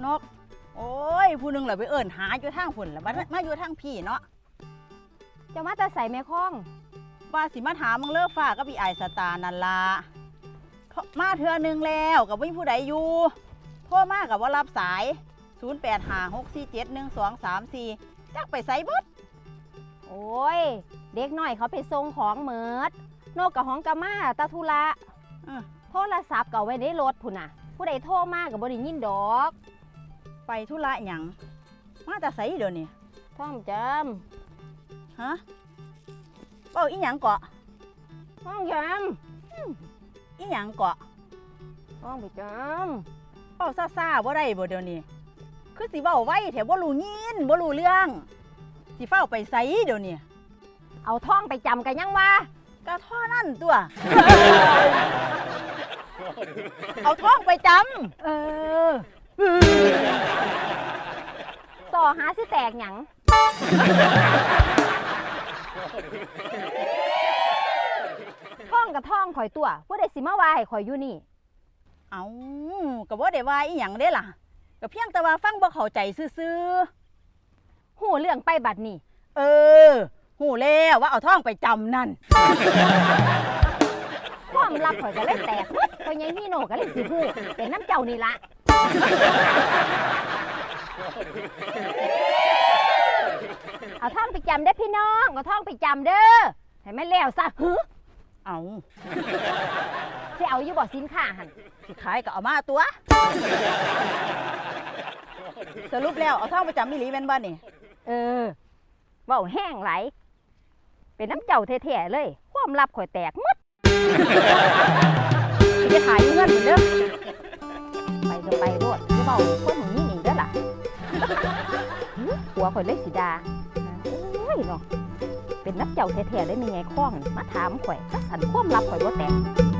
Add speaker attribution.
Speaker 1: นกโอ้ยผู้หนึงเหรอไปเอิ้นหาอยู่ทางพุ่นแล้วมาอยู่ทางพี่เนาะ
Speaker 2: เจ้ามาแต่ใส่แม่ข้อง
Speaker 1: ว่าสิมาถามมึงเลิกฟ้ากับพี่ไอสตาร์นั่นล่ะมาเทื่อนึงแล้วกับไม่มีผู้ใดอยู่โทรมากับว่ารับสาย0856471234จักไปไสเบิด
Speaker 2: โอ้ยเด็กน้อยเขาไปส่งของเหมิดโนกกับห้องกะมาตาธุระโทรศัพท์ก็ไว้ในรถพุ่นน่ะผู้ใดโทรมากับบ่ได้ยินดอก
Speaker 1: ไปธุระหยังมาแต่ไสเดี๋ยวนี้
Speaker 2: ท่องจ
Speaker 1: ฮะเว้าอีหยังเกาะ
Speaker 2: ำท่องจ
Speaker 1: อีหยังเกาะ
Speaker 2: ำท่องไปจ
Speaker 1: เว้าซ่าๆบ่ได้บ่เดี๋ยวนี้คือสิเว้าไว้แถวบ่รู้ยินบ่รู้เรื่องสิเฝ้าไปไสเดี๋ยวนี้
Speaker 2: ำเอาท่องไปจำกันยังวะ
Speaker 1: ก็ท่อนั่นตัว เอาท้องไปจำ
Speaker 2: เออต่อหาสิแตกหยังท่องกับท่องข่อยตัวผู้ใดสิมาว่าให้ข่อยอยู่นี่
Speaker 1: เอาก็บ่ได้ว่าอีหยังเด้ล่ะก็เพียงแต่ว่าฟังบ่เข้าใจซื่อ
Speaker 2: หูเรื่องไปบัดนี้
Speaker 1: ๆฮู้แล้วว่าเอาท้องไปจำนั่น
Speaker 2: ความลับข่อยก็เลยแตกข่อยยังมีโนก็เลยสิฮู้เป็นน้ำเจ้านี่ละเอาท่องไปจำได้อพี่น้องเอาท่องไปจำเด้อให้แม่นแล้วซะฮึ
Speaker 1: เอา
Speaker 2: สิเอาอยู่บ่สินค้าหั่น
Speaker 1: สิขายก็เอามาตัว สรุปแล้วเอาท้องไปจำอีหลีแม่นบ่นี่
Speaker 2: เออเว้าแห้งไหลายเป็นน้ำเจ้าแท้ๆเลยความลับข่อยแตกหมด
Speaker 1: สิขายอยู่เงินเด้อ
Speaker 2: ไปก็ไปโลดจะเว้าคนของนี่นี่เด้อล่ะหัวข่อยเลยสิดาโอ้ยเนาะเป็นน้ำเจ้าแท้ๆเลยมีไงข้องมาถามข่อยถ้าสันความลับข่อยบ่แตก